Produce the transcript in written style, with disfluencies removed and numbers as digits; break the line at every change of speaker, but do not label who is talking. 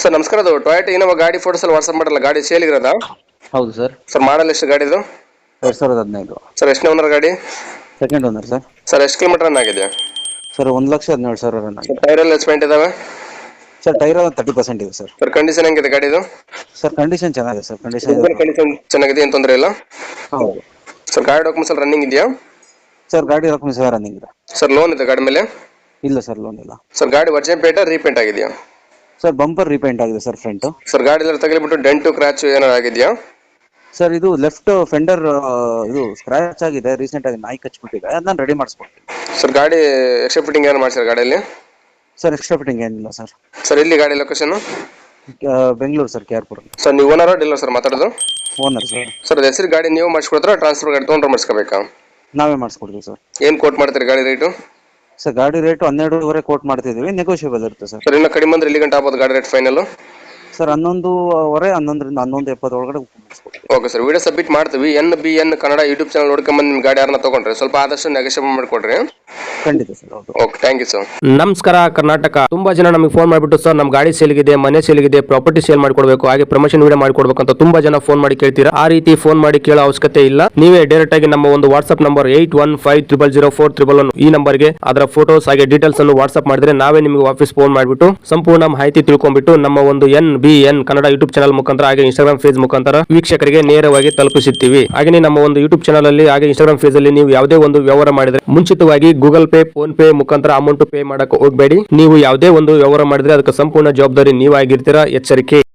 Sir ನಮಸ್ಕಾರ, ಅದು Toyota Innova ಗಾಡಿ ಫೋಟೋಸ್ ಅಲ್ಲಿ ವಾಟ್ಸ್ಆಪ್ ಮಾಡಲ್ಲ, ಗಾಡಿ ಸೇಲಿಗಿರೋದಾ?
ಹೌದು ಸರ್.
ಸರ್ ಮಾಡಲ್ ಎಷ್ಟು ಗಾಡಿದು?
2015
ಸರ್ ಎಷ್ಟನೇ ಓನರ್ ಗಾಡಿ?
Second owner sir.
ಸರ್ ಎಷ್ಟು ಕಿಲೋಮೀಟರ್ ರನ್ ಆಗಿದೆ?
ಸರ್ 1,17,000 ರನ್
ಸರ್
ಆಗಿದೆ.
ಟೈರ್ ಎಲ್ಲ ಎಸ್ಪೆಂಟ್ ಇದಾವೆ?
ಸರ್ ಟೈರ್ 30% ಇದೆ ಸರ್.
ಸರ್ ಕಂಡೀಷನ್ ಹೆಂಗಿದೆ ಗಾಡಿದು?
ಸರ್ ಕಂಡೀಷನ್ ಚೆನ್ನಾಗಿದೆ ಸರ್. ಕಂಡೀಷನ್
ಕಂಡೀಷನ್ ಚೆನ್ನಾಗಿದೆ, ಏನು ತೊಂದರೆ ಇಲ್ಲ.
ಹೌದು
ಸರ್ ಗಾಡಿ ಡಾಕ್ಯುಮೆಂಟ್ಸ್ ಎಲ್ಲ ರನ್ನಿಂಗ್ ಇದೆಯಾ?
ಸರ್. ಗಾಡಿ ಡಾಕ್ಯುಮೆಂಟ್ಸ್ ರನ್ನಿಂಗ್ ಇದೆ.
ಸರ್ ಲೋನ್ ಇದೆ ಗಾಡಿ ಮೇಲೆ?
ಇಲ್ಲ ಸರ್, ಲೋನ್ ಇಲ್ಲ.
ಸರ್ ಗಾಡಿ ವರ್ಜಿನ್ ಪೇಂಟ್ ರೀಪೇಂಟ್ ಆಗಿದೆಯಾ?
ಸರ್ ಬಂಪರ್ ರೀಪೇಂಟ್ ಆಗಿದೆ ಸರ್ ಫ್ರಂಟ್.
ಸರ್ ಗಾಡಿ ಎಲ್ಲ ತಗಲಿಬಿಟ್ಟು ಡೆಂಟು ಕ್ರಾಚ್ ಏನಾರು ಆಗಿದೆಯಾ?
ಸರ್ ಇದು ಲೆಫ್ಟ್ ಫೆಂಡರ್ ಇದು ಸ್ಕ್ರಾಚ್ ಆಗಿದೆ, ರೀಸೆಂಟ್ ಆಗಿ ನಾಯಿ ಕಚ್ಬಿಟ್ಟಿದೆ, ಅದನ್ನ ರೆಡಿ ಮಾಡಿಸ್ಕೊಡ್ತೀನಿ.
ಸರ್ ಗಾಡಿ ಎಕ್ಸ್ಟ್ರಾ ಫಿಟ್ಟಿಂಗ್ ಏನು ಮಾಡ್ತಾರೆ ಗಾಡಿಯಲ್ಲಿ?
ಸರ್ ಎಕ್ಸ್ಟ್ರಾ ಫಿಟ್ಟಿಂಗ್ ಏನಿಲ್ಲ ಸರ್.
ಸರ್ ಇಲ್ಲಿ ಗಾಡಿ ಲೊಕೇಶನ್?
ಬೆಂಗಳೂರು ಸರ್, KRಪುರ.
ಸರ್ ನೀವು ಓನರ್ ಡೀಲರ್ ಸರ್ ಮಾತಾಡೋದು?
Owner sir.
ಸರ್ ಅದು ಹೆಸರು ಗಾಡಿ ನೀವು ಮಾಡಿಸ್ಕೊಡ್ತೀರಾ, ಟ್ರಾನ್ಸ್ಫರ್ ಗಾಡಿ ತೊಗೊಂಡ್ರೆ ಮಾಡಿಸ್ಕೋಬೇಕಾ?
ನಾವೇ ಮಾಡಿಸ್ಕೊಡ್ತೀವಿ ಸರ್.
ಏನು ಕೋಟ್ ಮಾಡ್ತೀರಿ ಗಾಡಿ ರೇಟು?
ಸರ್ ಗಾಡಿ ರೇಟ್ 12.5 ಕೋಟ್ ಮಾಡ್ತಿದ್ದೀವಿ, ನೆಗೋಷಿಯಬಲ್ ಇರುತ್ತೆ ಸರ್.
ಸರ್ ಇನ್ನು ಕಡಿಮೆ ಅಂದ್ರೆ ಎಲ್ಲಿ ಗಂಟೆ ಆಗ್ಬೋದು ಗಾಡಿ ರೇಟ್ ಫೈನಲ್?
ಸರ್ 11.5, 11ರಿಂದ 11:70 ಒಳಗಡೆ ಮುಗಿಸ್ಕೊಡ್ತೀವಿ.
ಓಕೆ ಸರ್, ವಿಡಿಯೋ ಸಬ್ಮಿಟ್ ಮಾಡ್ತೀವಿ. NBN ಕನ್ನಡ ಯೂಟ್ಯೂಬ್ ಚಾನಲ್ ನೋಡ್ಕೊಂಬಂದು ನಿಮ್ಮ ಗಾಡಿ ಯಾರನ್ನ ತೊಗೊಂಡ್ರೆ ಸ್ವಲ್ಪ ಆದಷ್ಟು ನೆಗೋಷಿಯೇಟ್ ಮಾಡಿಕೊಡ್ರಿ.
ಖಂಡಿತ ಸರ್. ಹೌದು.
Okay, thank you sir.
ನಮಸ್ಕಾರ ಕರ್ನಾಟಕ. ತುಂಬಾ ಜನ ನಮಗೆ ಫೋನ್ ಮಾಡಿಬಿಟ್ಟು ಸರ್ ನಮ್ಮ ಗಾಡಿ ಸೇಲ್ಗಿದೆ, ಮನೆ ಸೇಲ್ಗಿದೆ, ಪ್ರಾಪರ್ಟಿ ಸೇಲ್ ಮಾಡ್ಕೊಡ್ಬೇಕು, ಹಾಗೆ ಪ್ರಮೋಷನ್ ವಿಡಿಯೋ ಮಾಡ್ಕೊಡ್ಬೇಕು ಅಂತ ತುಂಬಾ ಜನ ಫೋನ್ ಮಾಡಿ ಕೇಳ್ತೀರಾ. ಆ ರೀತಿ ಫೋನ್ ಮಾಡಿ ಕೇಳೋ ಅವಶ್ಯಕತೆ ಇಲ್ಲ. ನೀವೇ ಡೈರೆಕ್ಟ್ ಆಗಿ ನಮ್ಮ ಒಂದು ವಾಟ್ಸ್ಆಪ್ ನಂಬರ್ 81500411 ಈ ನಂಬರ್ಗೆ ಅದರ ಫೋಟೋಸ್ ಹಾಗೆ ಡೀಟೇಲ್ಸ್ ಅನ್ನು ವಾಟ್ಸ್ಆಪ್ ಮಾಡಿದ್ರೆ ನಾವೇ ನಿಮಗೆ ವಾಪಸ್ ಫೋನ್ ಮಾಡಿಬಿಟ್ಟು ಸಂಪೂರ್ಣ ಮಾಹಿತಿ ತಿಳ್ಕೊಂಡ್ಬಿಟ್ಟು ನಮ್ಮ ಒಂದು NBN ಕನ್ನಡ ಯೂಟ್ಯೂಬ್ ಚಾನಲ್ ಮುಖಾಂತರ ಹಾಗೆ ಇನ್ಸ್ಟಾಗ್ರಾಮ್ ಪೇಜ್ ಮುಖಾಂತರ ವೀಕ್ಷಕರಿಗೆ ನೇರವಾಗಿ ತಲುಪಿಸುತ್ತೀವಿ. ಹಾಗೆ ನಮ್ಮ ಒಂದು ಯೂಟ್ಯೂಬ್ ಚಾನಲ್ ಅಲ್ಲಿ ಹಾಗೆ ಇನ್ಸ್ಟಾಗ್ರಾಮ್ ಪೇಜ್ ಅಲ್ಲಿ ನೀವು ಯಾವುದೇ ಒಂದು ವ್ಯವಹಾರ ಮಾಡಿದ್ರೆ ಮುಂಚಿತವಾಗಿ ಗೂಗಲ್ ಪೇ, ಫೋನ್ ಪೇ ಮುಖಾಂತರ ಅಮೌಂಟ್ ಪೇ ಮಾಡಕ್ಕೆ ಹೋಗಬೇಡಿ. ನೀವು ಯಾವುದೇ ಒಂದು ವ್ಯವಹಾರ ಮಾಡಿದ್ರೆ ಅದಕ್ಕೆ ಸಂಪೂರ್ಣ ಜವಾಬ್ದಾರಿ ನೀವಾಗಿರ್ತೀರಾ. ಎಚ್ಚರಿಕೆ.